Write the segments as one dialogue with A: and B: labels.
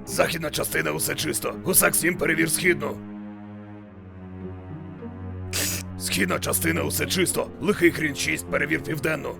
A: Західна частина усе чисто. Гусак 7 перевір східну. Східна частина усе чисто. Лихий хрін 6 перевір південну.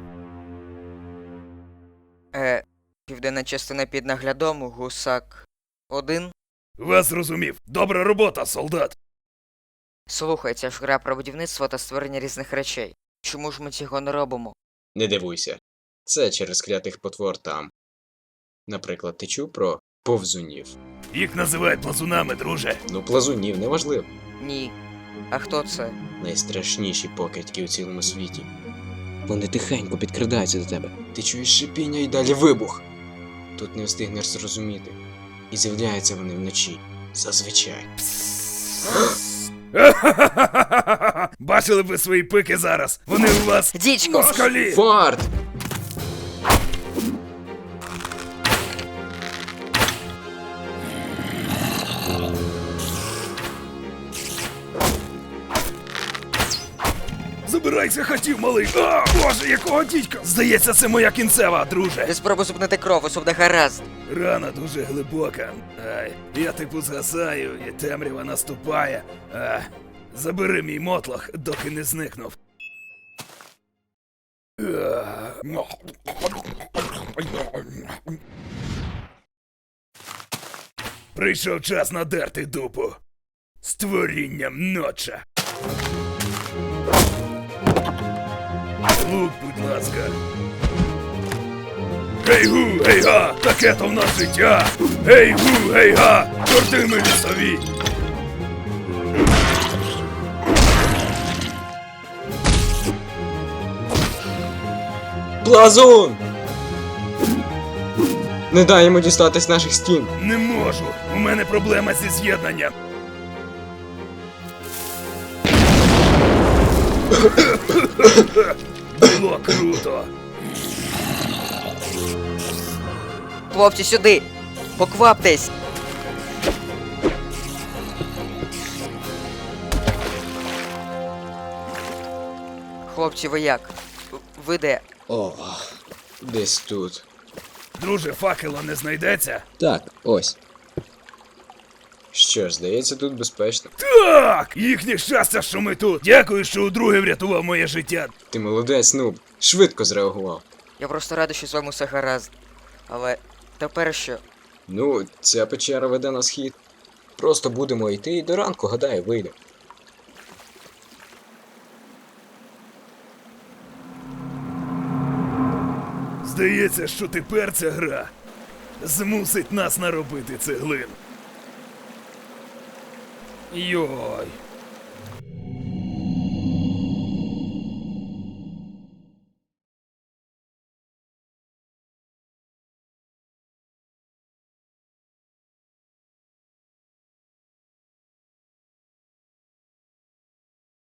B: Південна частина під наглядом, Гусак 1.
A: Вас зрозумів. Добра робота, солдат.
B: Слухай, це ж гра про будівництво та створення різних речей. Чому ж ми цього не робимо?
C: Не дивуйся. Це через клятих потвор там. Наприклад, ти чув про повзунів?
A: Їх називають плазунами, друже.
C: Ну, плазунів, неважливо.
B: Ні. А хто це?
C: Найстрашніші покидьки у цілому світі. Вони тихенько підкрадаються до тебе. Ти чуєш шипіння і далі вибух. Тут не встигнеш зрозуміти. І з'являються вони вночі. Зазвичай.
A: Бачили б ви свої пики зараз. Вони у вас
B: Дідько!
A: москалі.
C: Фарт!
A: Забирайся, хотів, малий. А, боже, якого дідька. Здається, це моя кінцева, друже.
B: Ти спробуй зупинити кров, усе буде гаразд.
A: Рана дуже глибока. Ай, я типу згасаю, і темрява наступає. Забери мій мотлох, доки не зникнув. Прийшов час надерти дупу. Створінням ноча. Лук, будь ласка. Гей-гу, гей-га, таке то в нас життя. Гей-гу, гей-га, чорти ми лісові.
C: Плазун! Не дай йому дістатись наших стін.
A: Не можу, у мене проблема зі з'єднанням. Було круто.
B: Хлопці, сюди! Покваптесь! Хлопці, ви як? Ви де?
C: О, десь тут.
A: Друже, факела не знайдеться?
C: Так, ось. Що ж, здається, тут безпечно.
A: Так! Їхнє щастя, що ми тут. Дякую, що удруге врятував моє життя.
C: Ти молодець, Нуб. Швидко зреагував.
B: Я просто радий, що з вами все гаразд. Але тепер що?
C: Ну, ця печера веде на схід. Просто будемо йти і до ранку, гадаю, вийде.
A: Здається, що тепер ця гра змусить нас наробити цеглин. Йой.